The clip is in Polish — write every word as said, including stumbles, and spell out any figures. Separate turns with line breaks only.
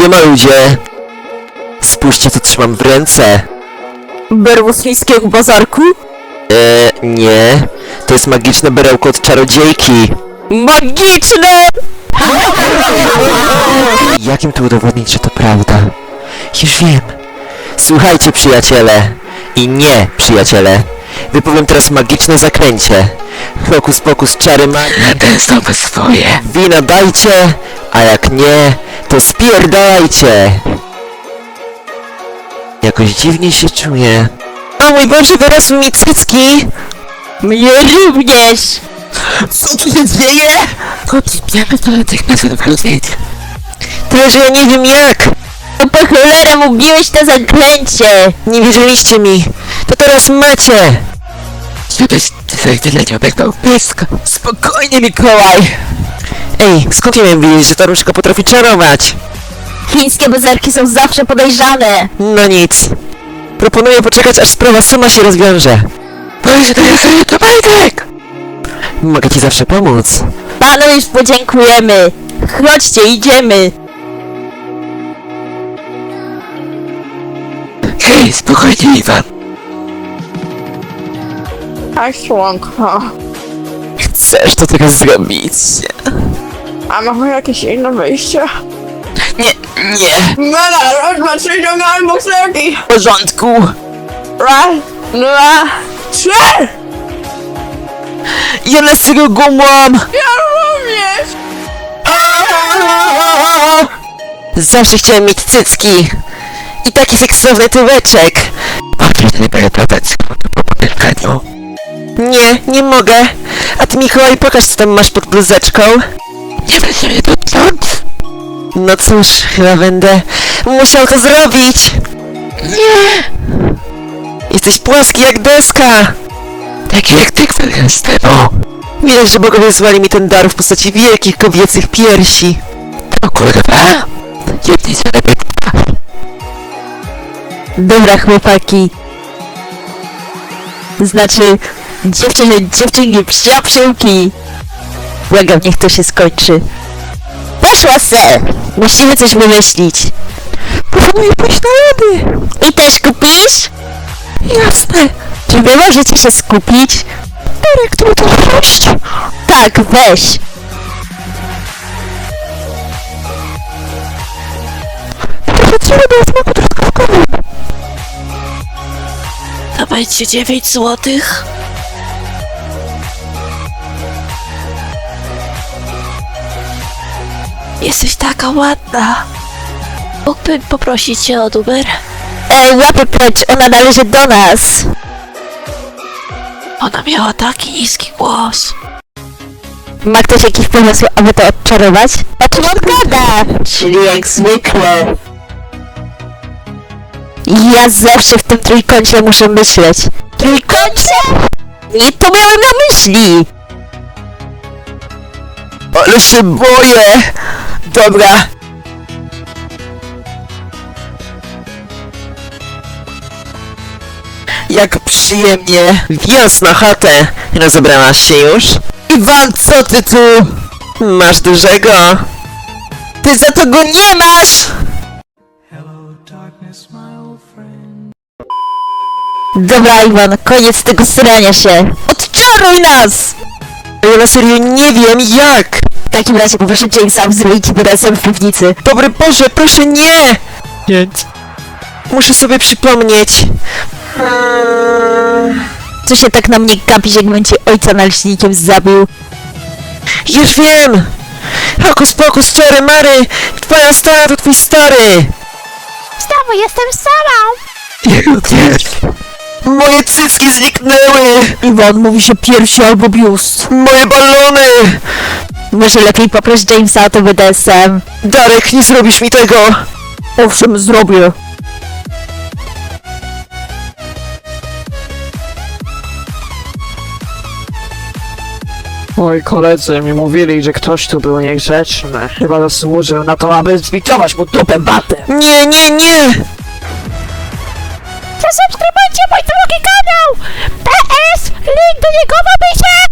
Siema ludzie! Spójrzcie, co trzymam w ręce.
Berło z chińskiego bazarku?
Eee, nie. To jest magiczne berełko od czarodziejki.
Magiczne!
Jak im tu udowodnić, że to prawda? Już wiem. Słuchajcie, przyjaciele. I nie, przyjaciele. Wypowiem teraz magiczne zaklęcie. Hokus pokus, czary magii.
Ten znowu swoje.
Wina dajcie, a jak nie, to spierdalajcie. Jakoś dziwnie się czuję. O mój Boże, wyrosły mi cycki!
Mnie również!
Co tu się dzieje?
Wiemy to natychmiast odwrócić.
Tyle, że ja nie wiem jak.
To po cholerę mówiłeś to zaklęcie!
Nie wierzyliście mi. To teraz macie.
Żebyś ty tyle nie obegnął blisko.
Spokojnie, Mikołaj. Ej, skąd ja miałem wiedzieć, że ta różdżka potrafi czarować?
Chińskie bazarki są zawsze podejrzane!
No nic. Proponuję poczekać, aż sprawa sama się rozwiąże.
Boże, to jest to Bartek!
Mogę ci zawsze pomóc.
Panu już podziękujemy! Chodźcie, idziemy!
Hej, spokojnie, Iwan.
Tak, słonko.
Chcesz to teraz zrobić?
A mamy jakieś inne wyjście?
Nie, nie.
Mela, raz, dwa, trzy, ciągamy bokserki!
W porządku.
Raz, dwa, trzy!
Ja na serio go mam.
Ja również!
Zawsze chciałem mieć cycki. I taki seksowny tyłeczek.
Patrz, nie będę padać po potykaniu.
Nie, nie mogę. A ty, Mikołaj, pokaż, co tam masz pod bluzeczką.
Nie będzie mnie dotknąć.
No cóż, chyba będę musiał to zrobić.
Nie!
Jesteś płaski jak deska.
Taki jak ty, który jest temu.
Widać, że bogowie złali mi ten dar w postaci wielkich kobiecych piersi.
O kurwa! Jedni się lepiej.
Dobra, chłopaki. Znaczy, dziewczyny, dziewczynki, przyjaciółki. Błagam, niech to się skończy. Poszła se! Musimy coś wymyślić.
Proponuję pójść na lody.
I też kupisz?
Jasne.
Czy wy możecie się skupić?
Darek, tu to wróć.
Tak, weź.
Potrzeba do smaku truskawkowym.
Dawajcie dziewięć złotych. Jesteś taka ładna. Mógłbym poprosić cię o numer?
Ej, łapy precz, ona należy do nas.
Ona miała taki niski głos.
Ma ktoś jakiś pomysł, aby to odczarować? O czym on gada?
Czyli jak zwykle.
Ja zawsze w tym trójkącie muszę myśleć. Trójkącie? Nie to miałem na myśli!
Ale się boję. Dobra. Jak przyjemnie. Wjazd na chatę. Rozebrałaś się już? Iwan, co ty tu? Masz dużego. Ty za to go nie masz!
Dobra, Iwan, koniec tego srania się. Odczaruj nas!
Ja na serio nie wiem jak.
W takim razie poproszę Jamesa o zrobić razem w piwnicy.
Dobry Boże, proszę nie!
Nie.
Muszę sobie przypomnieć.
Co się tak na mnie gapisz, jakbym cię ojca naleśnikiem zabił?
Już wiem! Hokus pokus, czary mary! Twoja stara to twój stary!
Znowu jestem samą!
Jego pies.
Moje cycki zniknęły!
Iwan, mówi się piersi albo biust.
Moje balony!
Może lepiej poproś Jamesa o to B D S M.
Darek, nie zrobisz mi tego!
Owszem, zrobię.
Moi koledzy mi mówili, że ktoś tu był niegrzeczny. Chyba zasłużył na to, aby zbitować mu dupę batem.
Nie, nie, nie!
Zasubskrybujcie mój drugi kanał! P S! Link do niego w opisie!